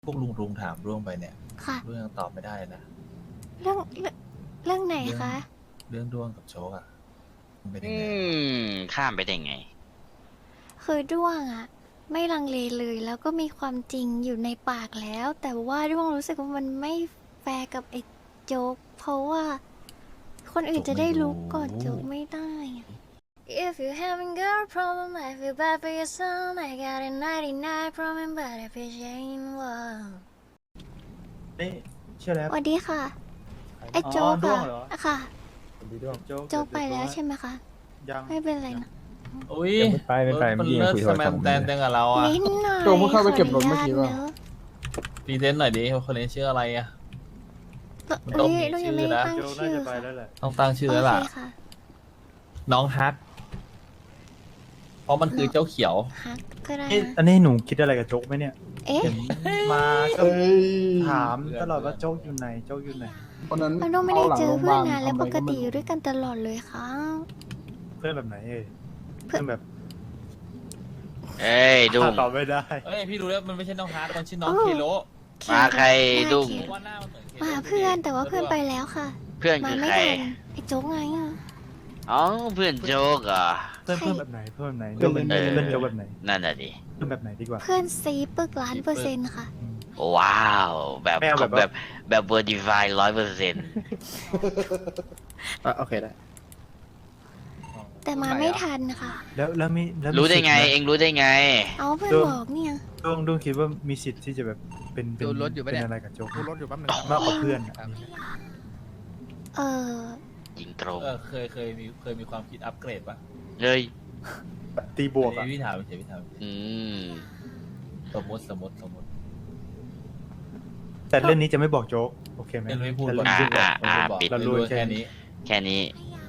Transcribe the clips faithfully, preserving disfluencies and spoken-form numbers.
พวกลุงลุงถามร่วงไปเนี่ยค่ะเรื่องตอบไม่ได้นะเรื่องเรื่องเรื่องไหนเรื่องคะเรื่องด้วงกับโชกอ่ะมันเป็นยัอืงไงม ข้ามไปได้ไงคือด้วงอะไม่ลังเลเลยแล้วก็มีความจริงอยู่ในปากแล้ว แต่ว่าด้วงรู้สึกว่ามันไม่แฟร์กับไอ้โจ๊ก เพราะว่าคนอื่นจะได้รู้ก่อนโจ๊กไม่ได้อะ If you having girl problem I feel bad for your son I got a ninety-nine problem but if it ain't one นี่ชื่ออะไรสวัสดีค่ะ ไอ้อ๋อโจ๊กด้วอะงเหรออะค่ะสวัสดีด้วงโจ๊กโจ๊กไปแล้วใช่ไหมคะยังไม่เป็นไรนะอุ้ยยังไม่ไปไม่ไปมันเมื่อกี้ยัเลิงกคุยโทสรแมศัพนท์แตนจังกับเราอ่ะนิดหน่อยโจ๊กเพิ่งเข้าไปเก็บรถเมื่อกี้ขเปล่านุญาตนะพรีเซนต์หน่อยดิว่าคนนี้ชื่ออะไรอ่ะ มันต้เอ้องยมีลูกยังไม่ชื่อนะตั้งโจ๊กน่าชื่อจะไปค่ะแล้วแหละต้องตั้งชื่อโอแล้วเคล่ะค่ะน้องฮัก เพราะมันคือเจ้าเขียวฮักก็ได้นี่นะอันนี้หนูคิดอะไรกับโจ๊กไหมเนี่ยเอ๊ะเห็นมาก็เอ้ยถามตลอดว่าโจ๊กอยู่ไหนโจ๊กอยู่ไหนวันนั้นเราต้องไม่ได้เจอเพื่อนนานทำแล้วอะไรปกติไม่รู้อยู่ด้วยกันตลอดเลยค่ะเพื่อนแบบไหนเอ่ยเพื่เพื่ออน นแบบเอ้ย ดุ้งตอบไม่ได้เอ้ยพี่รู้แล้วมันไม่ใช่น้องฮักมันชื่อน้องอ๋อเคโลมาใครดุ้งได้เพราะว่าหน้ามันเหมือนเคโลมาเพื่อนแต่ว่าเพื่อนไปแล้วค่ะเพื่อนมาคือไม่ใครทันไอ้โจ๊กไงอะอ๋อ เพื่อนโจ๊กเหรอเพื่อนใครเพื่อนแบบไหนเพื่อนแบบไหนเพื่อนเพื่อนเออเพื่อนโจ๊กแบบไหนนั่นน่ะดิเพื่อนแบบไหนดีกว่าเพื่อนซีปึกล้านเปอร์เซ็นต์ค่ะอืมว้าว แบบไม่เอาแบบแบบแบบเวอร์ดิฟายร้อยเปอร์เซ็นต์อ่ะโอเคได้แต่มาไม่ทันค่ะแล้วแล้วมีแล้วมีรู้ได้ไงสิทธิ์หมเองรู้ได้ไงเอาเพื่อนบอกเนี่ยด้วงด้วงคิดว่ามีสิทธิ์ที่จะแบบเป็นเป็นดูรถอยู่ปะเป็เนี่ยนอะไรกับโจ๊กดูรถอยู่แป๊บนึงมากกว่าเพื่อนอะครับเออยิงตรงเออเคยเคยมีเคยมีความคิดอัปเกรดปะเลยตีบวกอัอะนนี้พี่ถามเฉยพี่ถามอืมสมมติสมมติสมมติแต่เรื่องนี้จะไม่บอกโจ๊กโอเคไหมเรื่องไม่พูดแต่ก่อนเรื่องอ่านี้อ่าบอกปิดเรารู้แค่นี้แค่นี้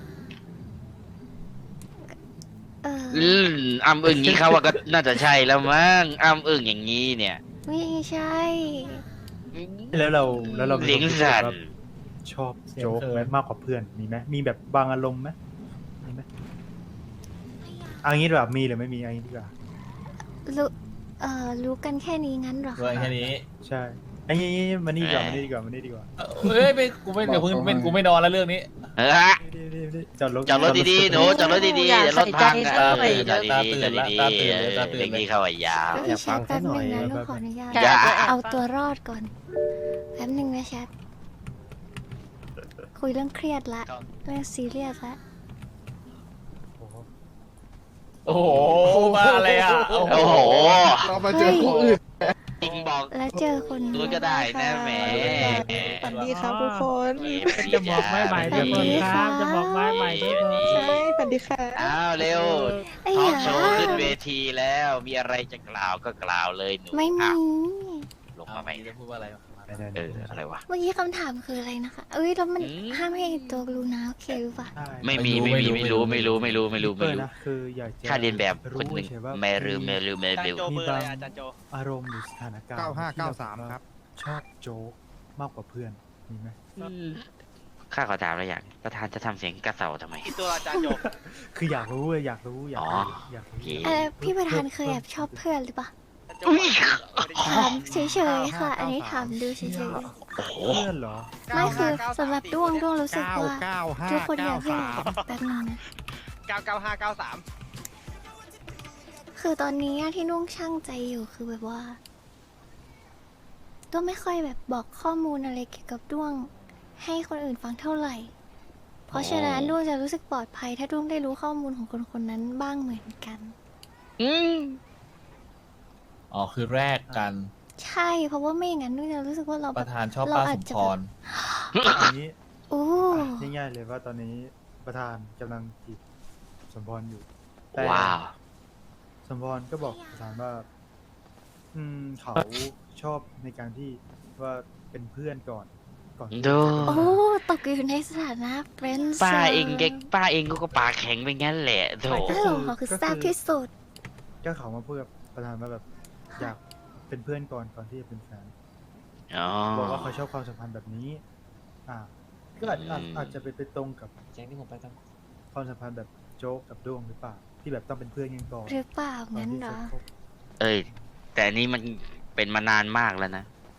เอออืมอ้ำอึ่งนี้เขาว่าก็น่าจะใช่แล้วมั้งอ้ำอึ่งอย่างนี้เนี่ยไม่ใช่แล้วเราแล้วเราเลี้ยงสัตว์ชอบโจ๊กไหมมากกว่าเพื่อนมีไหมมีแบบบางอารมณ์ไหมมีไหมเอันนี้แบบมีหรือไม่มีเอันนี้ดีกว่ารู้เออรู้กันแค่นี้งั้นเหรอด้วยคะแค่นี้ใช่ไอันนี้มานี่ดีกว่ามานี่ดีกว่ามานี่ดีกว่าเออเฮ้ยไม่กูไม่เดี๋ยวเพิ่งเป็นกูไม่นอนแล้วเรื่องนี้เออฮะนี่นี่นี่จอดรถจอดรถดีๆหนูจอดรถดีๆเดี๋ยวรถพังอยากเอใส่อใจจอดดีๆจอดดีตาตื่นแล้วๆตาตื่นแล้วตาตื่นเด็กที่เข้าอ่ะยาวพี่แชทแป๊บหนึงนะลูกขออนุญาตอย่าเอาตัวรอดก่อน แป๊บหนึงนะแชท คุยเรื่องเครียดละ เรื่องซีเรียสละโอ้โหโอ้โหมาอะไรอ่ะโอ้โหเรามาเจอคนอื่นจริงบอกแล้วเจอคนรู้ก็ได้นะแหมสวัสดีครับทุกคนจะบอกไม่ใหม่สวัสดีครับจะบอกไม่ใหม่ด้วยใช่สวัสดีค่ะอ้าวเร็วไอ้ทอล์หากโชว์ขึ้นเวทีแล้วมีอะไรจะกล่าวก็กล่าวเลยหนูไม่มีอ้าวลงเอามาใหม่จะพูดว่าอะไรวะได้ๆๆเอออะไรวะเมื่อกี้คำถามคืออะไรนะคะ เอ้ยแล้วมันอืมห้ามให้ตัวรู้นะโอเคหรือเปล่าใช่ไม่มีไม่มีไม่รู้ไม่รู้ไม่รู้ไม่รู้เปิไม่ดรู้นะคืออยากจะค่าเรียนแบบคนหนึ่งเฉยๆว่าไม่รู้ไม่รู้ไม่รู้มีบางอารมณ์หรือสถานการณ์เก้าห้าที่เก้าแบบสามว่ครับชอบโจ๊กมากกว่าเพื่อนมีไหมข้าขอถามอะไรอย่างประธานจะทำเสียงกระเสาทำไมตัวอาจารย์โยกคืออยากรู้เลยอยากรู้อยากอ๋อรู้อยากรู้โอเคเออพี่ประธานเคยแอบชอบเพื่อนหรือเปล่าอุ้ยถามเฉยๆค่ะ อันนี้ถามดูเฉยโอ้โหเพื่อนเหรอๆ ไม่คือสำหรับด้วงด้วงรู้สึกว่าเก้าห้าทุกคนอากให้เก้ายสามแป๊บนึงนะเก้าเก้าห้าเก้าสามคือตอนนี้ที่นุ่งช่างใจอยู่คือแบบว่าด้วงไม่ค่อยแบบบอกข้อมูลอะไรเกี่ยวกับด้วง ให้คนอื่นฟังเท่าไหร่ เพราะฉะนั้นด้วงจะรู้สึกปลอดภัย ถ้าด้วงได้รู้ข้อมูลของคนคนนั้นบ้างเหมือนกันอืมอ๋อคือแรกกันใช่เพราะว่าไม่อย่างนั้นด้วงจะรู้สึกว่าเราปแบบระธานชอบเราป้าอาสจมจะพรอันนี้โอ้ง่ายๆเลยว่าตอนนี้ประธานกำลังจีบสมพรอยู่แต่ว้าวสมพรก็บอกประธานว่า อืมเขาชอบในการที่ว่าเป็นเพื่อนก่อนก่อนที่ดูโอ้ตกอยู่ในสถานะเฟรนด์ป้าเองแกป้าเองก็ปากแข็งไปงั้นแหละโถเออเขาคือแซ่บที่สุดก็เขามาพูดกับประธานว่าแบบอยากเป็นเพื่อนก่อนก่อนที่จะเป็นแฟนอ๋อบอกว่าเขาชอบความสัมพันธ์แบบนี้ อ่า ก็อาจอาจอืมอาจจะไปไปตรงกับแจ้งที่ผมไปตามความสัมพันธ์แบบโจ๊กกับด้วงหรือเปล่า ที่แบบต้องเป็นเพื่อนกันก่อนหรือเปล่าก่อนงั้นที่เหรจะอคบเอ้ย แต่อันนี้มันเป็นมานานมากแล้วนะ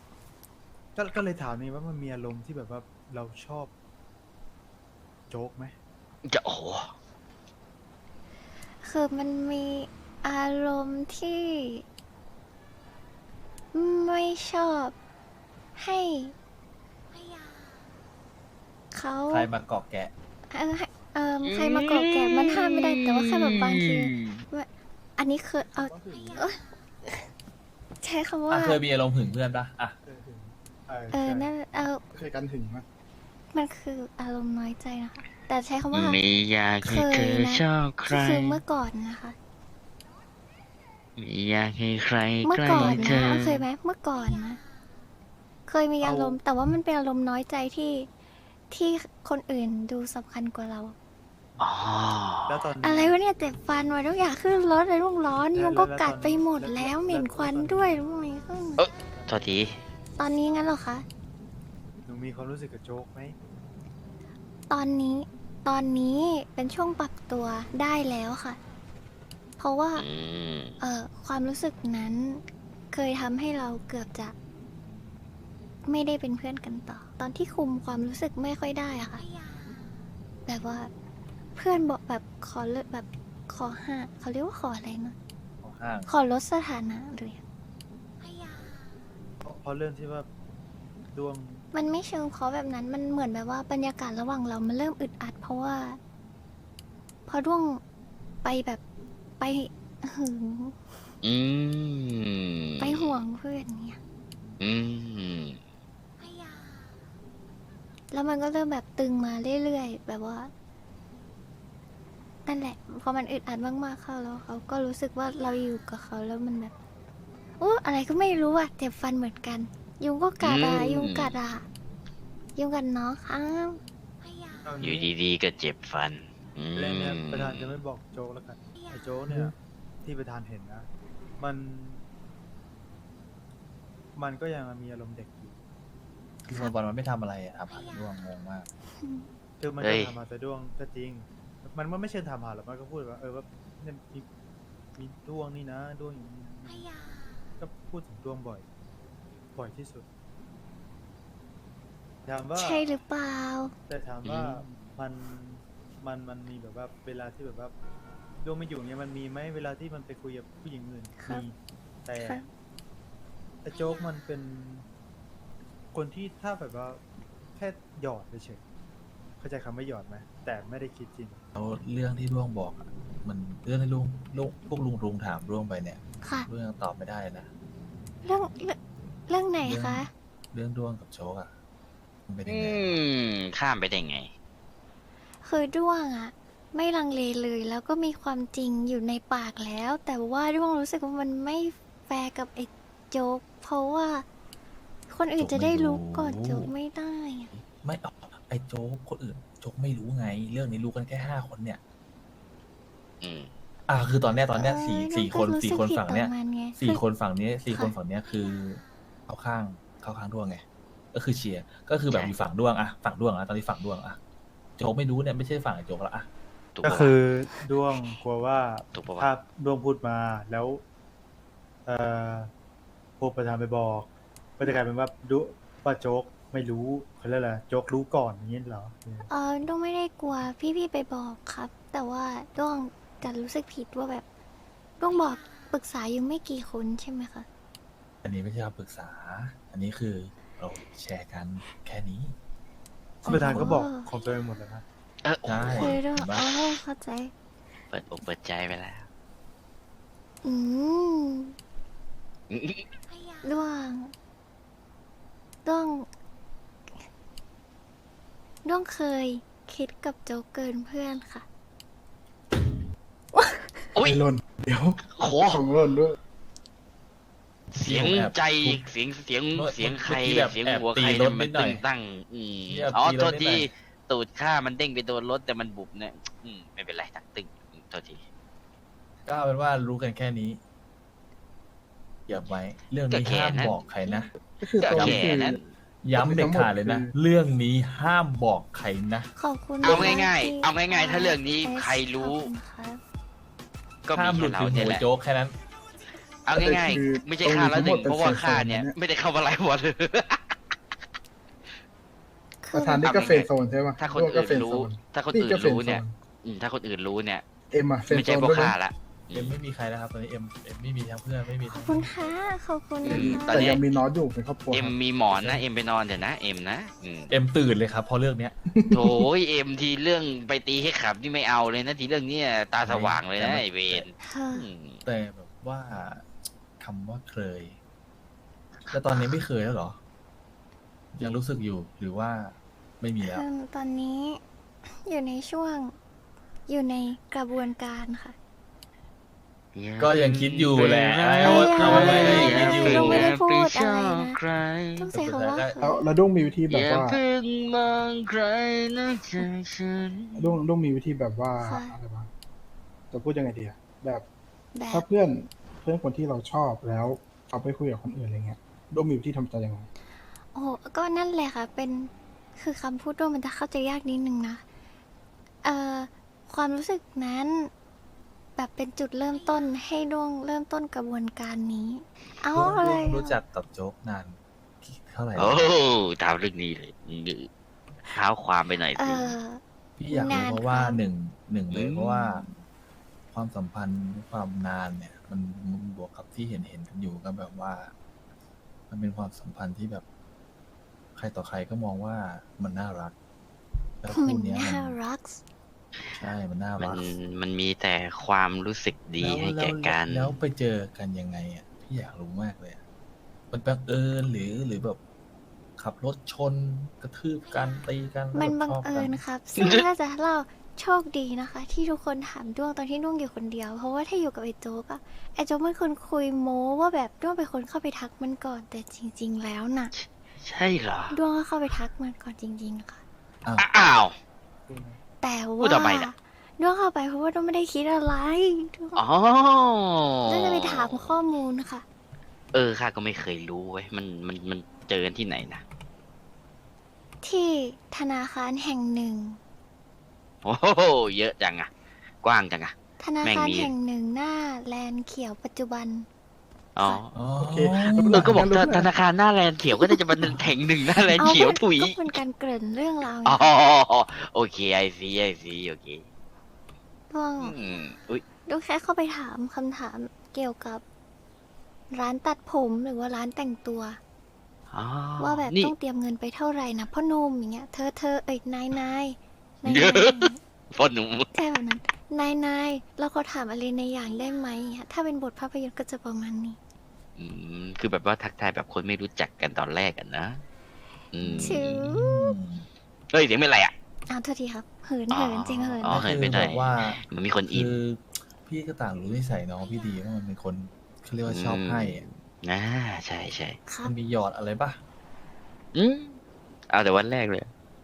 ก็ก็เลยถามนี่ว่ามันมีอารมณ์ที่แบบว่าเราชอบ โจ๊กไหมจะโอ้โหคือมันมีอารมณ์ที่ ไม่ชอบให้เขาใครมาเกาะแกะเออให้เออใครมาเกาะแกะมันห้ามไม่ได้แต่ว่าแค่แบบบางทีว่าอันนี้คือเอาเอ้ยใช้คำว่าอ่ะเคยมีอารมณ์หึงเพื่อนปะอ่ะเออเออเออใช่นั่นเออเคยกันถึงไหมมันคืออารมณ์น้อยใจนะคะ แต่ใช้คำว่าไม่อยากให้เธอชอบใครคือเมื่อก่อนนะคะไม่อยากให้ใครเมื่อใกล้ก่อนเธนะอเอาเคยไหมเมื่อก่อนนะ เคยมีอารมณ์ แต่ว่ามันเป็นอารมณ์น้อยใจที่ที่คนอื่นดูสำคัญกว่าเราอ๋อแล้วตอนนี้อะไรวะเนี่ยเจ็บฟันวะทุกอย่างขึ้นรถเลยรุ่งร้อนแล้วยุงก็แล้วกัดตอนไปหมดแล้วแล้วแล้วเหม็นแล้วควันตอนด้วยรู้ไหมขึ้นเอ้ย โทษทีตอนนี้งั้นเหรอคะหนูมีความรู้สึกกับโจ๊กไหมตอนนี้ตอนนี้เป็นช่วงปรับตัวได้แล้วค่ะ เพราะว่าอืมเอ่อความรู้สึกนั้นเคยทำให้เราเกือบจะ ไม่ได้เป็นเพื่อนกันต่อ ตอนที่คุมความรู้สึกไม่ค่อยได้อะค่ะ แบบว่าเพื่อนบอกแบบขอเลิกแบบขอห้าเขาเรียกว่าขออะไรนะของห้างขอลดสถานะเลยเพราะเพราะเรื่องที่ว่าดวงมันไม่เชิงเพราะแบบนั้น มันเหมือนแบบว่าบรรยากาศระหว่างเรา มันเริ่มอึดอัด เพราะว่าพอด้วงไปแบบไปหึงอืมไปห่วงเพื่อนเนี่ยอืมแล้วมันก็เริ่มแบบตึงมาเรื่อยๆ แบบว่า นั่นแหละ พอมันอึดอัดมากๆเข้าแล้วเขาก็รู้สึกว่าเราอยู่กับเขาแล้วมันแบบโอ้อะไรก็ไม่รู้อะเจ็บฟันเหมือนกัน ยุงก็กัดอะอืมยุงกัดอะยุงกัดน้องครับเอาอยู่งี้ดีๆก็เจ็บฟัน อืมเรื่องเนี้ยประธานจะไม่บอกโจ๊กแล้วกันไอ้โจ๊กเนี่ย ที่ประธานเห็นนะ มัน มันก็ยังมีอารมณ์เด็กอยู่คือคนบอลมันไม่ทำอะไรอะทำหาร่วงงงมากคือมันเฮ้จะยทำมาแต่ดวงก็จริง มันมันไม่เชิงทำหาหรอกมันก็พูดว่า เออว่าเนี่ยมีมีดวงนี่นะดวงอย่างนี้นะก็พูดถึงดวงบ่อย บ่อยที่สุด ถามว่าใช่หรือเปล่าแต่ถามว่าอืมมันมันมันมีแบบว่าเวลาที่แบบว่าดวงไม่อยู่เนี้ยมันมีไหมเวลาที่มันไปคุยกับผู้หญิงอื่นครับมีแต่ครับไอ้โจ๊กมันเป็น คนที่ถ้าแบบว่าแค่หยอดเฉยๆเข้าใจคำว่าหยอดไหมแต่ไม่ได้คิดจริงแล้วเรื่องที่ร่วงบอกอะมันเรื่องที่ลุงลุงพวกลุงลุงถามร่วงไปเนี่ยค่ะเรื่องยังตอบไม่ได้เลยนะเรื่องเรื่องเรื่องไหนคะเรื่องด้วงกับโชกอะมันเป็นยังอืไงม ข้ามไปได้ไงคือด้วงอะไม่ลังเลเลยแล้วก็มีความจริงอยู่ในปากแล้ว แต่ว่าด้วงรู้สึกว่ามันไม่แฟร์กับไอ้โจ๊ก เพราะว่า คนอื่นจะได้รู้ก่อนโจ๊กไม่ได้อะไม่เอาไอ้โจ๊กคนอื่นโจ๊กไม่รู้ไง เรื่องนี้รู้กันแค่ห้าคนเนี่ยอืมอ่าคือตอนเนี้ยตอนเนี้ยสี่เออสี่ด้ควงนก็รู้สี่สึกคนผิดฝั่งเนี้ยต่อมันไงสี่คือคนฝั่งนี้สี่ค่ะคนฝั่งเนี้ยคือเข้าข้างเข้าข้างด้วงไง ก็คือเชียร์ก็คือแบบใช่อยู่ฝั่งด้วงอะฝั่งด้วงอะตอนนี้ฝั่งด้วงอะโจ๊กไม่รู้เนี่ยไม่ใช่ฝั่งไอ้โจ๊กแล้วอะถูกก็ปะวะคือดวงกลัวว่าถูกปะวะถ้าดวงพูดมาแล้ว เอ่อพวกประธานไปบอก ก็จะกลายเป็นว่าดุว่าโจ๊กไม่รู้เขาเรียกอะไรโจ๊กรู้ก่อนอย่างนี้เหรอเออด้วงไม่ได้กลัวพี่ๆไปบอกครับ แต่ว่าด้วงจะรู้สึกผิดว่าแบบด้วงบอกปรึกษาอยู่ไม่กี่คนใช่ไหมคะอันนี้ไม่ใช่คำปรึกษา อันนี้คือเราแชร์กันแค่นี้ประธานก็บอกของตัวเองหมดแล้วนะเออโอ้ใช่โหคือด้วงเห็นปะโอ้เข้าใจเปิดอกเปิดใจไปแล้วอืมอืมด้วงด้วงด้วงเคยคิดกับโจ๊กเกินเพื่อนค่ะโอ้ยไม่หล่นเดี๋ยวโอ้โหของหล่นด้วยเสียงแอบใจทุบเสียงเสียงเมื่อเสียงใครเมื่อกี้แบบเสียงแอบหัวตีใครรเนี่ยถมันนิดหน่ตึอยงตั้งอืมแอบอ๋อตีรถโทษนิดหน่ทีอยตูดข้ามันเด้งไปโดนรถแต่มันบุบเนี่ยอืมไม่เป็นไรตั้งตึงอืมโทษทีก็เอาเป็นว่ารู้กันแค่นี้อย่าไว้ เรื่องนี้ก็แค่ห้ามนั้นบอกใครนะก็คือก็ตอนแค่นี้คือนั้นย้ำเด็ดขาดเลยนะคือเรื่องนี้ห้ามบอกใครนะขอบคุณเอานะคะง่ายๆที่เอาง่ายๆถ้าเรื่องนี้เอสใครรู้ขอบคุณครับก็ห้ามมีหลุแค่ดเราถึงเนี่ยหัวแหละโจ๊กแค่นั้นเอาง่ายคือๆ ไม่ใช่ข้าแล้วหนึ่งตรงนี้ทั้งหมดเป็นเพราะว่าข้าเซฟโซนเนี่ยนะเนี่ยไม่ได้เข้ามาไล่บอลเลยประธานนี่ก็เฟรนด์โซนใช่ไหมถ้าคนด้วงก็อื่นเฟรนด์รู้โซนถ้าคนนี่อื่นก็เฟรนด์รู้เนี่ยโซนอืมถ้าคนอื่นรู้เนี่ยเอ็มอะเฟรนไม่ด์โซใช่นพวกด้วยข้านะละเอ็มไม่มีใครแล้วครับตอนนี้เอ็มเอ็มไม่มีทั้งเพื่อนไม่มีขทั้อง บคุณค่ะขอบคุณอืนะมคะตอนแต่นี้ยังมีน้อยอยู่เป็นครอบครัวเอ็มครับมีหมอนนะเอ็มไปนอนเถอะนะเอ็มนะอืมเอ็มตื่นเลยครับเพราะเรื่องเนี้ยโถยเอ็มทีเรื่องไปตีให้ขับนี่ไม่เอาเลยนะทีเรื่องเนี้ยตาสว่างเลยนะไอเวนเธออืมแต่แบบว่าคำว่าเคยแต่ตอนนี้ไม่เคยแล้วเหรอ ยังรู้สึกอยู่หรือว่าไม่มีแล้วคือตอนนี้อยู่ในช่วงอยู่ในกระบวนการค่ะก็ยังคิดอยู่แหละเอาไว้เอาไว้เอาไว้ยังคิดอยู่เราไม่ได้พูดอะไรนะใครต้องใช้คำว่าแล้วแล้วด้วงมีวิธีแบบอย่าว่าเพิ่งมองใครนอกจากฉันด้วงด้วงมีวิธีแบบว่าค่ะอะไรบ้างจะพูดยังไงดีอะแบบแบถ้าบเพื่อนเพื่อนคนที่เราชอบแล้วเขาไปคุยกับคนอื่นอะไรเงี้ยด้วงมีวิธีทำใจยังไงโอ้โหก็นั่นแหละค่ะ เป็นคือคำพูดด้วยมันจะเข้าใจยากนิดนึงนะเอ่อความรู้สึกนั้น แบบเป็นจุดเริ่มต้นให้ดวงเริ่มต้นกระบวนการนี้ เอาร่วมอะไรร่วมรู้จักกับโจ๊กนานเท่าไหร่โอ้แล้วตามเรื่องนี้เลยเท้าความไปหน่อยเอสิอพี่อยากรู้นานเพราะว่าครับหนึ่งหนึ่งเลยอืมเพราะว่า ความสัมพันธ์ความนานเนี่ย มันมันบวกกับที่เห็นเห็นกันอยู่ก็แบบว่า มันเป็นความสัมพันธ์ที่แบบ ใครต่อใครก็มองว่ามันน่ารัก แล้วมัคู่นเนี้ยน่ามันรักใช่มันน่ามันรักมันมีแต่ความรู้สึกดีแล้วให้แก่กันแล้วแล้วไปเจอกันยังไงอ่ะพี่อยากรู้มากเลยอะมันบังเอิญหรือหรือแบบ ขับรถชนกระทืบกันตีกันแล้วมันแบบบังชอบเอิกัญนครับ ซึ่งถ้าจะเล่าโชคดีนะคะ ที่ทุกคนถามด้วงตอนที่ด้วงอยู่คนเดียว เพราะว่าถ้าอยู่กับไอ้โจ๊กอะไอ้โจ๊กเป็นคนคุยโม้ว่าแบบด้วงเป็นคนเข้าไปทักมันก่อน แต่จริง ๆ แล้วน่ะใช่เหรอด้วงก็เข้าไปทักมันก่อนจริง ๆ ค่ะอ้าวแต่พูดว่าทำไมน่ะด้วงเข้าไปเพราะว่าด้วงไม่ได้คิดอะไรด้วงอ๋อด้วงจะไปถามข้อมูลค่ะเออข้าก็ไม่เคยรู้เว้ยมันมันมันเจอกันที่ไหนนะที่ธนาคารแห่งหนึ่งโอ้โหเยอะจังอะกว้างจังอะธนาแม่งคารมีแห่งหนึ่งหน้าแลนด์เขียวปัจจุบันอ๋ออ๋อโอเคเออก็บอกงั้นรู้ธนาคารหน้าแลนด์เขียวก็น่าจะเป็นแห่งหนึ่งหน้าแลนด์เขียวถุยก็เป็นการเกริ่นเรื่องราวไงอ๋อคะโอเคไอซีไอซีโอเคด้วงอืมอุ้ยด้วงแค่เข้าไปถามคำถามเกี่ยวกับ ร้านตัดผมหรือว่าร้านแต่งตัวอ๋อว่าแบบนี่ต้องเตรียมเงินไปเท่าไหร่นะพ่อหนมอย่างเงี้ยเธอเธอเอ้ยนายนายนายเยนาอะยพ่อหนุ่มใช่แบบนั้นนายนายเราขอถามอะไรในอย่างได้ไหมอย่างเงี้ยถ้าเป็นบทภาพยนตร์ก็จะประมาณนี้อืมคือแบบว่าทักทายแบบคนไม่รู้จักกันตอนแรกกันนะ อืมชื่อเฮ้ยเสียงเป็นไรอ่ะอ้าวโทษทีครับเหินเหินจริงเหินอ๋อก็คือไปได้แบบว่ามันมีคนอินคือพี่ก็ต่างรู้นิสัยน้องพี่ดีว่ามันเป็นคนเขาเรียกว่าชอบให้อะอ่าใช่ใช่ครับมันมีหยอดอะไรปะอืมเอาแต่วันแรกเลย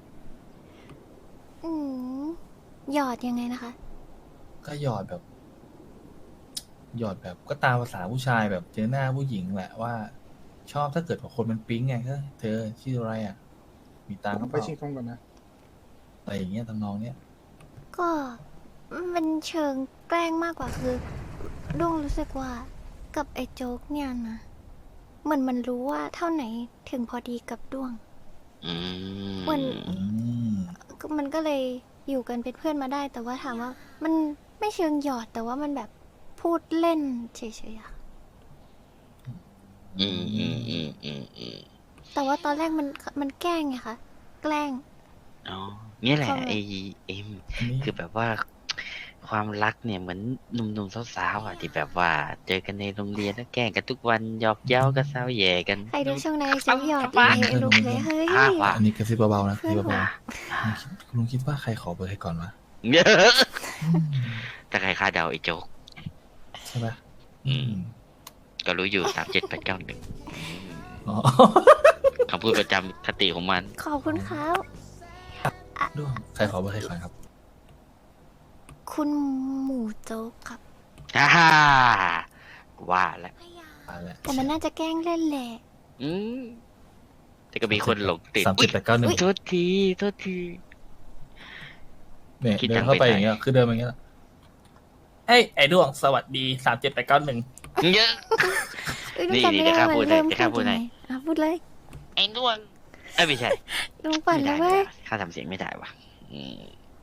อืมหยอดยังไงนะคะก็หยอดแบบ หยอดแบบก็ตามภาษาผู้ชายแบบเจอหน้าผู้หญิงแหละว่า ชอบถ้าเกิดว่าคนมันปิ๊งไงก็เธอชื่ออะไรอ่ะ มีตังค์ผหรืมอไปเปล่าชิงทงก่อนนะอะไรอย่างเงี้ยทำนองเนี้ยก็มันเชิงแกล้งมากกว่าคือด้วงรู้สึกว่ากับไอ้โจ๊กเนี่ยนะเหมือนมันรู้ว่าเท่าไหนถึงพอดีกับด้วงอืมมันอืมก็มันก็เลยอยู่กันเป็นเพื่อนมาได้ แต่ว่าถามว่า มันไม่เชิงหยอดแต่ว่ามันแบบพูดเล่นเฉยๆอะอืมอืมอืมอืมอืมแต่ว่าตอนแรกมันมันแกล้งไงคะแกล้งอ๋อเนี่ยแหละเข้ามาไอเอ็มอันนี้คือแบบว่า ความรักเนี่ยเหมือนหนุ่มๆสาวๆอ่ะที่แบบว่า เจอกันในโรงเรียนแล้วแกล้งกันทุกวันหยอกเย้ากันแซวแย่กันใครดูช่วงไหนโจ๊กหยอดเลยไอ้ลูกเลยเฮ้ยอ่ะว่ะอันนี้กระซิบเบาๆนะกระซิบเพื่อนเบาว่ะๆลุงคิดลุงคิดว่าใครขอเบอร์ใครก่อนวะเยอะ แต่ใครคาดเดาไอ้โจ๊กใช่ปะอืม ก็รู้อยู่สามเจ็ดแปดเก้าหนึ่งอ๋อคำพูดประจำคติของมันขอบคุณครับด้วงใครขอเบอร์ใครก่อนครับคุณหมูโจ๊กครับฮ่าฮ่าว่าแล้วตายแล้วแต่มันน่าจะแกล้งเล่นแหละอืมแต่ก็มีคนหลงติดสามสิบแปดเก้าหนึ่งโทษทีโทษทีเนี่ยคิดเดิจันงเข้าไปไปไหนอย่างเงี้ยคือเดินมาอย่างเงี้ยเฮ้ยไอ้ด้วงสวัสดีสามเจ็ดแปดเก้าหนึ่งเยอะเอ้ยนี่จำไม่นี่ได้เดี๋ยวข้าว่าพูมัดนให้เริ่มเดี๋ยวข้าพูพูดดให้ยังไงอ่ะพูดเลยไอ้ด้วงเอ้ยไม่ใช่ลุงปั่นไม่แล้วเว้ยได้ว่ะข้าทำเสียงไม่ได้ว่ะอืม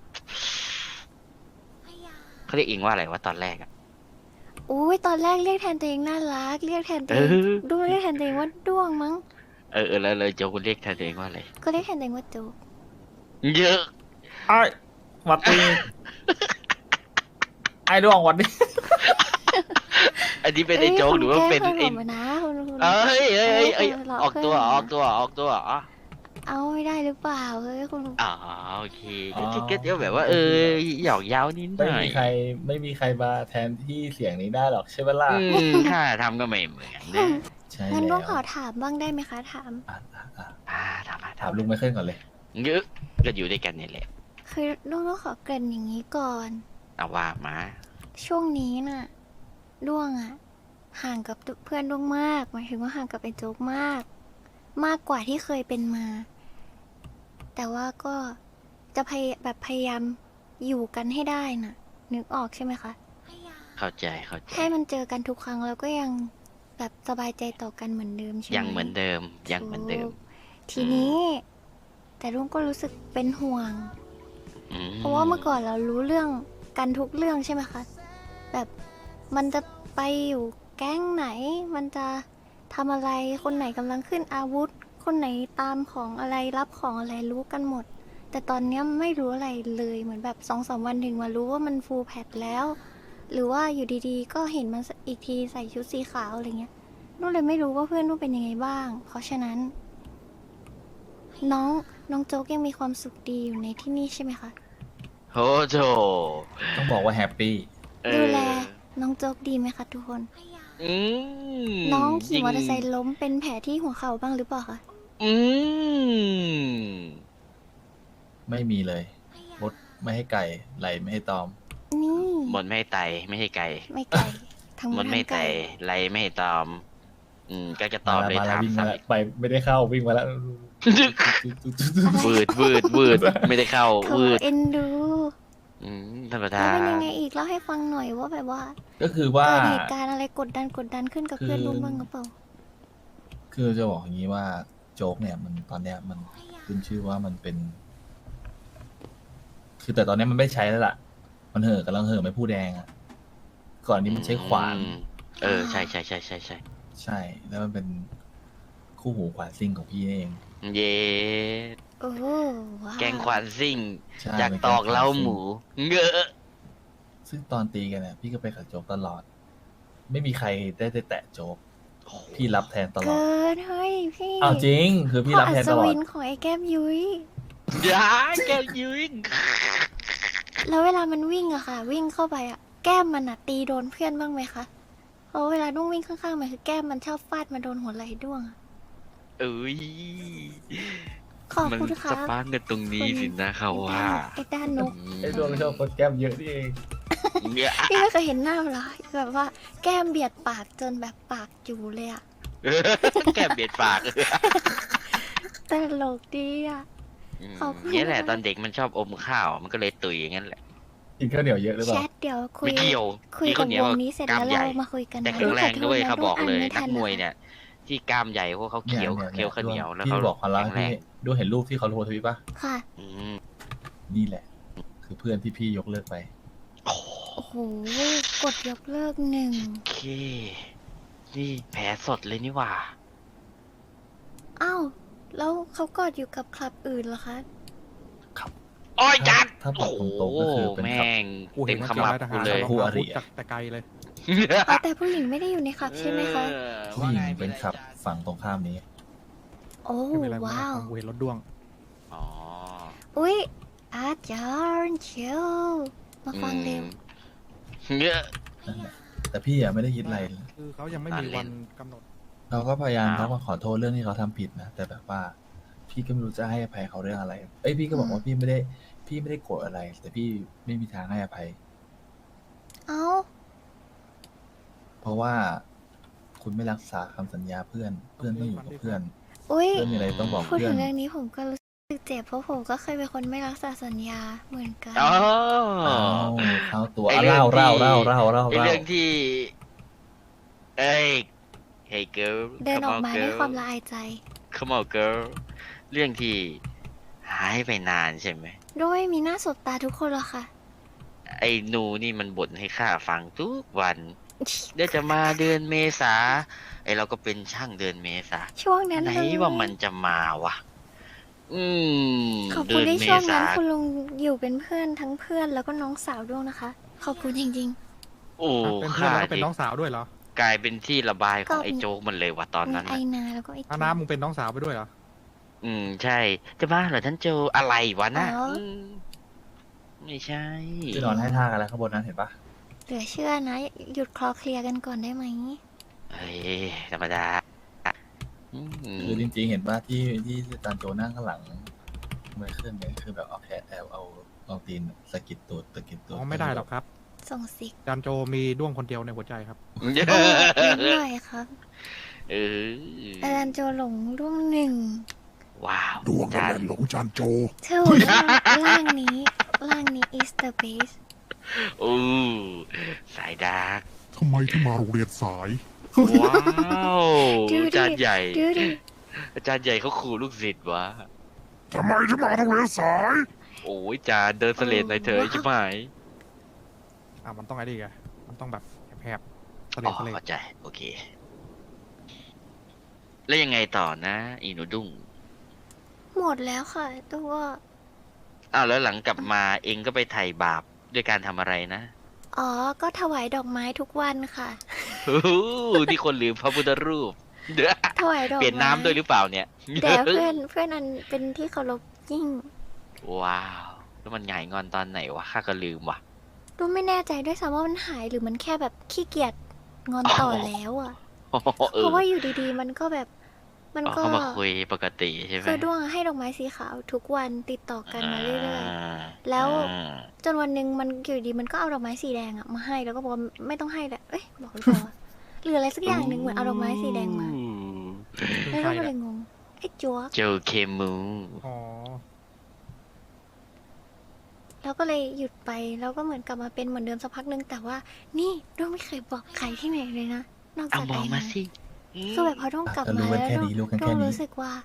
เขาเรียกเองว่าอะไรวะตอนแรกอะอุ้ยตอนแรกเรียกแทนตัวเองน่ารัก เรียกแทนตัวเองเออด้วงเรียกแทนตัวเองว่าด้วงมั้งเออเออแล้วเลยโจคุณเรียกแทนตัวเองว่าอะไรก็เรียกแทนตัวเองว่าโจ๊กเยอะไอ้หวัดดีไอ้ดวงหวัดดีอันนี้เป็นไอ้โจ๊กหรือว่าเป็นไอ้ไอ้ผมนะคุณคุณเอ้ยเอ้ยเอ้ยเอ้ยเออหลอกออกตัวเพื่อนออกตัวออกตัวอ๋อเอาไม่ได้หรือเปล่าเฮ้ยคุณอ๋อโอเคก็ก็ก็เดี๋ยวแบบว่าเออหยอกเย้านิดหไม่น่อยมีใครไม่มีใครมาแทนที่เสียงนี้ได้หรอกใช่ไหมล่ะอืมข้าทำก็ไม่เหมือนนะใช่งั้นแล้ด้ววงขอถามบ้างได้ไหมคะถามอ่ะอ่ะอ่ะอ่าทำมาถามทำลุงไม่ขึ้นก่อนเลยเยอะก็อยู่ด้วยกันนี่แหละคือด้วงต้องขอเกริ่นอย่างนี้ก่อนเอาว่ามาช่วงนี้น่ะด้วงอะห่างกับเพื่อนด้วงมากหมายถึงว่าห่างกับไอ้โจ๊กมาก มากกว่าที่เคยเป็นมา แต่ว่าก็จะพยแบบพยายามอยู่กันให้ได้น่ะ นึกออกใช่ไหมคะเข้าใจเข้าใจให้มันเจอกันทุกครั้งแล้วก็ยังแบบสบายใจต่อกันเหมือนเดิมใช่ไหมยังเหมือนเดิมยังเหมือนเดิมถูกทีนี้ แต่ลุงก็รู้สึกเป็นห่วงอืมเพราะว่าเมื่อก่อนเรารู้เรื่องกันทุกเรื่องใช่ไหมคะ แบบมันจะไปอยู่แก๊งไหน มันจะทำอะไร คนไหนกำลังขึ้นอาวุธ คนไหนตามของอะไรรับของอะไรรู้กันหมด แต่ตอนเนี้ยไม่รู้อะไรเลยเหมือนแบบสองสามวันถึงมารู้ว่ามันฟูลแพทแล้ว หรือว่าอยู่ดีๆ ก็เห็นมันอีกทีใส่ชุดสีขาวอะไรเงี้ยนุ่นเลยไม่รู้ว่าเพื่อนนุ่นเป็นยังไงบ้าง เพราะฉะนั้น น้องน้องโจ๊กยังมีความสุขดีอยู่ในที่นี่ใช่ไหมคะโหโจต้องบอกว่าแฮปปี้เออดูแลน้องโจ๊กดีไหมคะทุกคนอืมน้องขี่มอเตอร์ไซจงค์ล้มเป็นแผลที่หัวเข่าบ้างหรือเปล่าคะอืมไม่มีเลยมดไม่ให้ไก่ไหลไม่ให้ตอมนี่บนไม่ให้ไตไม่ให้ไก่ไม่ไก่ทั้งหมบดนทั้ไม่งให้ไตไก่ไรไม่ให้ตอม อืมก็จะตอบเลยมาแล้วถามวิ่งมาซ้ำแล้วอีกไปไม่ได้เข้าวิ่งมาแล้ววืดวืดวืดไม่ได้เข้าโถวืดเอ็นดูอืมธรรมแล้ดาวเป็นยังไงอีกเล่าให้ฟังหน่อยว่าแบบว่าก็คือว่าเกิดเหตุการณ์อะไรกดดันกดดันขึ้นกับเพื่อนคือรุ่นบ้างหรือเปล่าคือจะบอกอย่างนี้ว่าโจ๊กเนี่ยมันตอนเนี้ยมันขึ้นชื่อว่ามันเป็น คือแต่ตอนเนี้ยมันไม่ใช้แล้วล่ะ มันเห่อกำลังเห่อไม่ผู้แดงอะก่อนนี้มันใช้ขวานอืมเออใช่ใช่ใช่ใช่ใช่ใช่ แล้วมันเป็นคู่หูขวานซิ่งของพี่นี่เองเย้โอ้ว้าวแกงขวานซิ่งใช่จากเป็นตอกแงขวานเล้าซิ่งหมูเงอะซึ่งตอนตีกันเนี่ยพี่ก็ไปกับโจ๊กตลอด ไม่มีใครได้ได้แตะโจ๊ก พี่รับแทนตลอดเกินเฮ้ยพี่เอาจริง คือพี่พ่อรับอัแทนศตลอวิดนของไอ้แก้มยุ้ยอย่าแกยืนแล้วเวลามันวิ่งอะค่ะ วิ่งเข้าไปอะแก้มมันอะตีโดนเพื่อนบ้างไหมคะเพราะเวลาด้วงวิ่งข้างๆมันคือแก้มมันชอบฟาดมาโดนหัวไหล่ด้วงอะเอ้ยขอบมันคุณคสรับปาร์กกันตรงนี้สินะเขาว่าไอ้ด้านนกไอ้ดวงชอบคนแก้มเยอะนี่เองเนี่ยพี่ไม่เคยเห็นหน้ามันเหรอแบบว่าแก้มเบียดปากจนแบบปากอยู่เลยอะแกเบียดปากตลกดีอะอืมขอบคุณเนี่ยแหละมากตอนเด็กมันชอบอมข้าว มันก็เลยตุยอย่างนั้นแหละกินข้าวเหนียวเยอะหรือเปแชล่าทเดี๋ยวคุยไม่เกี่ยวคุยกินกัข้าบวเหนียว วงนี้เสร็จกล้ามแล้วใหญ่เรามาคุยกันแต่นะแข็งแรงด้วยขอโทษนะเขาบอกเลยด้วนักอ่านมวยไทัเนี่ย ที่กล้ามใหญ่เพราะเขาเคี้ยวนี่เคี้ยวข้าวเหนียวแล้วพี่เขาบอกเขาแล้วแข็งแรพี่งดูเห็นรูปที่เขาโพสต์ทวิตปะค่ะอืมนี่แหละ คือเพื่อนที่พี่ยกเลิกไปโอ้โอ้โห กดยกเลิกหนึ่งโอเค นี่แผลสดเลยนี่หว่าอ้าว แล้วเขากอดอยู่กับคลับอื่นเหรอคะโอ้ยจัดถ้าบโอ้อกโหตรงๆก็คือเป็นแม่ขับงกูเต็เห็นมมันขเกี่ยวมับอะไรทหากูรเลยคู่คู่ออาริริจากแต่ไกลเลยอ๋อแต่ผู้หญิงไม่ได้อยู่ในคลับใช่ไหมคะเออผู้หญิงเป็นขับฝั่งตรงข้ามนี้โอ้ไม่เป็นไรว้าวกูเห็นรถด้วงอ๋ออุ๊ย อาจารย์เชียวมาฟังเร็วอืมเยอะนั่นแหละ แต่พี่อะไม่ได้คิดอะไรคือเขายังไม่มีตอนเล่วัน นกำหนดเราก็พยายามอ้าวทักมาขอโทษเรื่องที่เขาทำผิดนะ แต่แบบว่า พี่ก็ไม่รู้จะให้อภัยเขาเรื่องอะไร เอ้ยพี่ก็บอกว่าพี่ไม่ได้ พี่ไม่ได้โกรธอะไร แต่พี่ไม่มีทางให้อภัยเอ้าเพราะว่าคุณไม่รักษาคำสัญญาเพื่อน เพื่อนต้องอยู่กับเพื่อนอุ๊ยเพื่อนมีอะไรต้องบอกพูดเพื่อถึนงเรื่องนี้ผมก็รู้สึกเจ็บเพราะผมก็เคยเป็นคนไม่รักษาสัญญาเหมือนกันอ๋ออ้าวเข้าตัวไอ้อ่ะเรื่เล่าองเล่าที่เล่าเล่าเล่าไอ้เล่าเรื่องที่ เอ้ย Hey girl เดินออกมา come on ด้วย girl ความละอายใจ Come on girl เรื่องที่หายไปนานใช่ไหมด้วยมีหน้าสดตาทุกคนหรอกค่ะไอ้หนูนี่มันบ่นให้ข้าฟังทุกวัน เดี๋ยวจะมาเดือนเมษาไอ้เราก็เป็นช่างเดือนเมษาช่วงนั้นไหนเลยว่ามันจะมาวะ อืมขอบเดืคุณอนที่เมช่วงษานั้นคุณลุงอยู่เป็นเพื่อนทั้งเพื่อนแล้วก็น้องสาวด้วยนะคะ ขอบคุณจริงโอ้เป็นเพื่อนข้าแล้วก็เป็นดิน้องสาวด้วยเหรอกลายเป็นที่ระบายของก็ไอ้โจ๊กมันเลยว่ะตอนๆมีนั้นไอน่ะนาแล้วก็ไออาน้ามึงเป็นน้องสาวไปด้วยเหรออืมใช่ จะบ้าเหรอท่านโจอะไรวะน่ะอ๋ออืมไม่ใช่ที่นอนให้ท่ากันแล้วข้างบนนั้นเห็นปะเหลือเชื่อนะ หยุดคลอเคลียร์กันก่อนได้ไหมเฮ้ยธรรมดาอืมคือจริงๆเห็นว่าที่ที่อาจารย์โจนั่งข้างหลังไม่ขึ้นเนี่ยคือแบบเอาแขนแอบเอาเอาตีนสะกิดตูดสะกิดตูอ๋ดอไม่ได้หรอกครับส่งสิกจานโจมีด้วงคนเดียวในหัวใจครับโอ้นิดหน่อยครับเอออาจารย์โจหลงร่วงหนึ่งว้าวดวงจากันนหลงจานโจเธอร่างร่างนี้ร่างนี้ is the best โอ้สายดาร์กทำไมที่มาโรงเรียนสายว้าวดูดิอาจารย์ใหญ่ดูดิอาจารย์ใหญ่เขาขู่ลูกศิษย์วะทำไมที่มาโรงเรียนสายโอ้ยจานเดินเสลดในอยเธอใช่ไหมอ่ะมันต้องอะไรดีกอะมันต้องแบบแผบๆทะเลอ๋อทะเลเข้าใจ โอเค แล้วยังไงต่อนะ อีหนูดุ้งหมดแล้วค่ะตัวอ้าวแล้วหลังกลับมาเองก็ไปไถ่บาปด้วยการทำอะไรนะอ๋อ ก็ถวายดอกไม้ทุกวันค่ะโอ้โหที่คนลืมพระพุทธรูปเดี๋ยวถวายดอกไม้เปลี่ยนน้ำด้วยหรือเปล่าเนี่ยแต่เพื่อนเพื่อนอันเป็นที่เคารพยิ่งว้าว แล้วมันหงายงอนตอนไหนวะข้าก็ลืมว่ะดูไม่แน่ใจด้วยซ้ำว่ามันหายหรือมันแค่แบบขี้เกียจงอนต่อแล้วอ่ะเอเพราะอว่าอยู่ดีๆ มันก็แบบ มันอ๋อก็เขามาคุยปกติใช่ไหมคือด้วงให้ดอกไม้สีขาวทุกวันติดต่อกันมาเรื่อยาแล้วอ่าๆ จนวันหนึ่งมันอยู่ดีมันก็เอาดอกไม้สีแดงอะมาให้แล้วก็บอกว่าไม่ต้องให้แหละเอ้ยบอกหรือเปล่าวะหรืออะไรสักอย่างหนึ่งเหมือนเอาดอกไม้สีแดงมาเป็นแล้วใครเราก็เลเนี่ยยงงไอ้จัวโจเคมูอ๋อแล้วก็เลยหยุดไปแล้วก็เหมือนกลับมาเป็นเหมือนเดิมสักพักหนึงแต่ว่า นี่ด้วงไม่เคยบอกใครที่ไหนเลยนะนอกเอาจากมไอ้องมานะสิคือแบบพอด้วงกลับก็มารู้กันแล้วแค่ด้วงนี้รู้กันด้วแค่งนี้รู้สึกว่า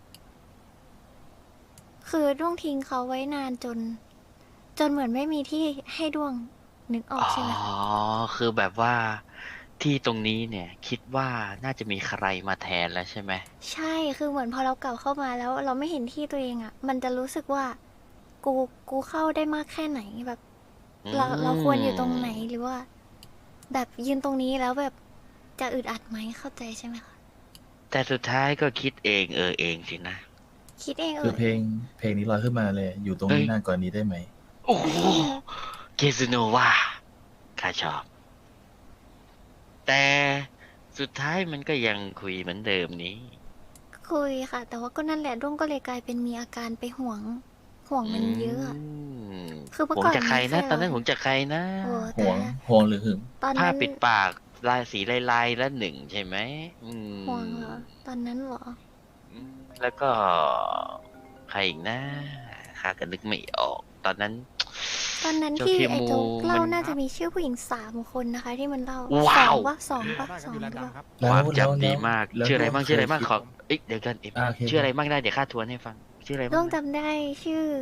คือด้วงทิ้งเขาไว้นานจน จนเหมือนไม่มีที่ให้ด้วงนึกออกอ๋อใช่ไหมคะคือแบบว่าที่ตรงนี้เนี่ย คิดว่าน่าจะมีใครมาแทนแล้วใช่ไหมใช่ คือเหมือนพอเรากลับเข้ามาแล้ว เราไม่เห็นที่ตัวเองอะ่ะ มันจะรู้สึกว่า กู กูเข้าได้มากแค่ไหนแบบ เรา เราควรอยู่ตรงไหนหรือว่า แบบยืนตรงนี้แล้วแบบจะอึดอัดไหมเข้าใจใช่ไหมคะแต่สุดท้ายก็คิดเองเออเองสินะคิดเองเอคืออเพลงเพลงนี้ลอยขึ้นมาเลย อยู่ตรงนี้เฮ้ยนานกว่านี้ได้ไหมโอ้โหเกซูโนวาข้าชอบ แต่สุดท้ายมันก็ยังคุยเหมือนเดิมนี้คุยค่ะ แต่ว่าก็นั่นแหละด้วงก็เลยกลายเป็นมีอาการไปห่วง ห่วงมันเยอะอะมคือเมื่อผมก่อนจะใครนะไม่เคยตอนนั้นผมจะใครนะโอ้ห่วงแต่ห่วงหรือหึงตอนผ้านั้นปิดปากลายสีลายๆและหนึ่งใช่ไหมอืมห่วงเหรอ ตอนนั้นเหรออืมแล้วก็ใครอีกนะข้าก็นึกไม่ออก ตอนนั้นตอนนั้นเจ้าที่เคไอ้มูโจ๊กเล่ามันน่าจะมีชื่อผู้หญิงสามคนนะคะ ที่มันเล่าว้าวสองปะสองปะได้คสรับองอยู่ร้านปะดังครับแล้วความแล้วจำดีแล้วมากแล้วชื่ออะไรบ้างเคยชื่ออะไรบ้างคิดขอเอ้ยเดี๋ยวกันเอ็มอ่าโอเคชื่ออะไรบ้างได้เดี๋ยวข้าทวนให้ฟัง ชื่ออะไรต้บ้าองงนะจำได้ชื่อ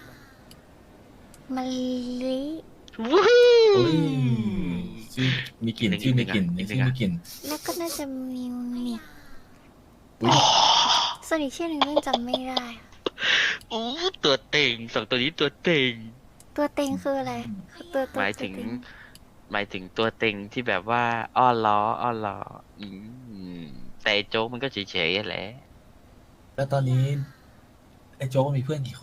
มะลิวู้ฮู้โอ้ยชื่อมีกลิ่นชื่อมีกลิ่นอีกหนึ่ชื่งออ่ะมีกลิ่นแล้วก็น่าจะมิวนิกอุ๊ยส่วนอีกชื่อหนึ่งเรื่องจำไม่ได้อะโอ้ตัวเต็งสองตัวนี้ตัวเต็งตัวเต็งคืออะไรตัวตัวหมายถึงตัวเต็หมายถึงตัวเต็งที่แบบว่า อ้อนล้ออ้อนล้ออืมแต่ไอ้โจ๊กมันก็เฉยๆแหละแล้วตอนนี้ไอ้โจ๊กมีเพื่อนกี่คน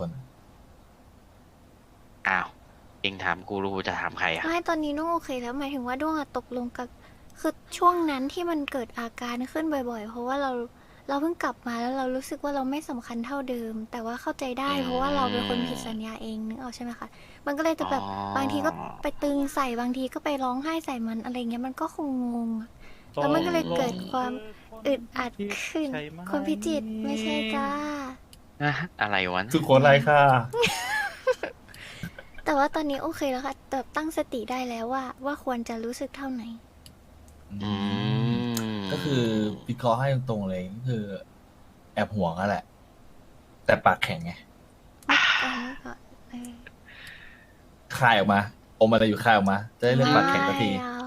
อ้าวเองถามกูรู้จะถามใครอ่ะไม่ตอนนี้ด้วงโอเคแล้วหมายถึงว่าด้วงอะตกลงกับคือช่วงนั้นที่มันเกิดอาการขึ้นบ่อยๆ เพราะว่าเราเราเพิ่งกลับมาแล้วเรารู้สึกว่าเราไม่สำคัญเท่าเดิม แต่ว่าเข้าใจได้อืมเพราะว่าเราเป็นคนผิดสัญญาเองนึกออกใช่ไหมคะมันก็เลยจะแบบอ๋อบางทีก็ไปตึงใส่บางทีก็ไปร้องไห้ใส่มันอะไรเงี้ยมันก็คงงงอะแล้วมันก็เลยเกิดความอึดอัดขึ้นใช่ไหมคนพิจิตรไม่ใช่จ้าอะอะไรวะสุโขทัยค่ะแต่ว่าตอนนี้โอเคแล้วค่ะแต่ตั้งสติได้แล้วว่า ว่าควรจะรู้สึกเท่าไหนอืมก็คือวิเคราะห์ให้ตรงๆเลยก็คือ แอบห่วงอะแหละแต่ปากแข็งไงไม่เอาไว้ก่อนเออคายออกมาอมอะไรอยู่คายออกมา จะได้เรื่องปากแข็งสักทีไม่เอา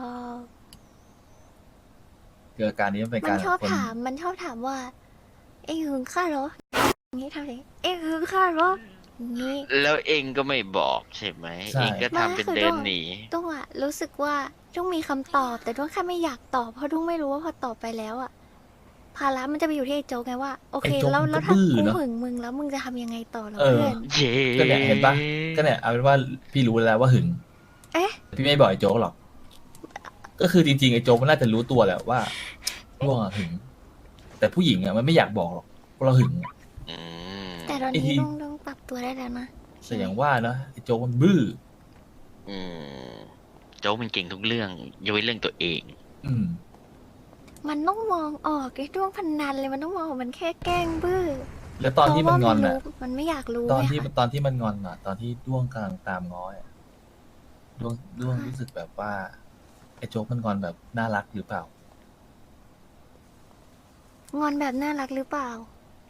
เกิดอาการนี้มันเป็นมักาน รชอบคนถามมันชอบถามว่า เอ็งหึงข้าเหรออย่างนี้ทำไงเอ็งหึงข้าเหรออย่างนี้แล้วเองก็ไม่บอกใช่ไหมใช่เองก็ทำเป็นไม่คือเดินด้วงหนีด้วงอะรู้สึกว่าด้วงมีคำตอบ แต่ด้วงแค่ไม่อยากตอบเพราะด้วงไม่รู้ว่าพอตอบไปแล้วอะภาระมันจะไปอยู่ที่ไอ้โจ๊กไงว่าโอเคไอ้โจ๊กแล้วมันแล้วก็ถ้าบื้อกูเนอะหึงมึงแล้วมึงจะทำยังไงต่อเหรอเออเพื่อนเย้ก็เนี่ยเห็นปะก็เนี่ยเอาเป็นว่าพี่รู้แล้วว่าหึงเอ๊ะพี่ไม่บอกไอ้โจ๊กหรอก ก็คือจริงๆไอ้โจ๊กมันน่าจะรู้ตัวแหละว่าด้วงอะหึง แต่ผู้หญิงอะมันไม่อยากบอกหรอกว่าเราหึงอะอืมแต่ตอนไอ้นี้ที่ด้วงด้วงปรับตัวได้แล้วนะแต่อย่างว่าเนอะไอ้โจ๊กมันบื้ออืมโจ๊กมันเก่งทุกเรื่องยกเว้นเรื่องตัวเองอืมมันต้องมองออกไอ้ด้วงพันนันเลยมันต้องมองว่ามันแค่แกล้งบื้อแล้วตอนที่มันงอนเพราะอะว่ารู้มันไม่อยากรู้ตอนที่ไงคะตอนที่มันงอนอะตอนที่ด้วงกำลังตามง้ออะด้วงด้วงรู้สึกแบบว่าไอ้โจ๊กมันงอนแบบน่ารักหรือเปล่างอนแบบน่ารักหรือเปล่า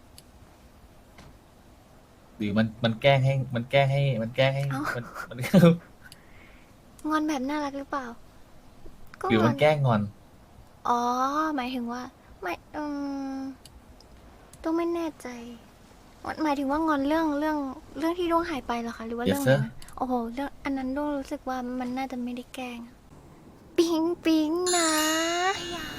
หรือมันมันแกล้งให้มันแกล้งให้ มันแกล้งให้เอ้ามันมันงอนแบบน่ารักหรือเปล่า ก็หรืองอมัน นแกล้งงอนอ๋อ หมายถึงว่า ไม่อืมต้องไม่แน่ใจ หมายถึงว่างอนเรื่องเรื่องเรื่องที่ดวงหายไปเหรอคะ หรือว่า Yes, เรื่องอะไร sir. นะโอ้โหเรื่องอันนั้นดวงรู้สึกว่ามันน่าจะไม่ได้แกล้งอะปิ๊งปิ๊งนะ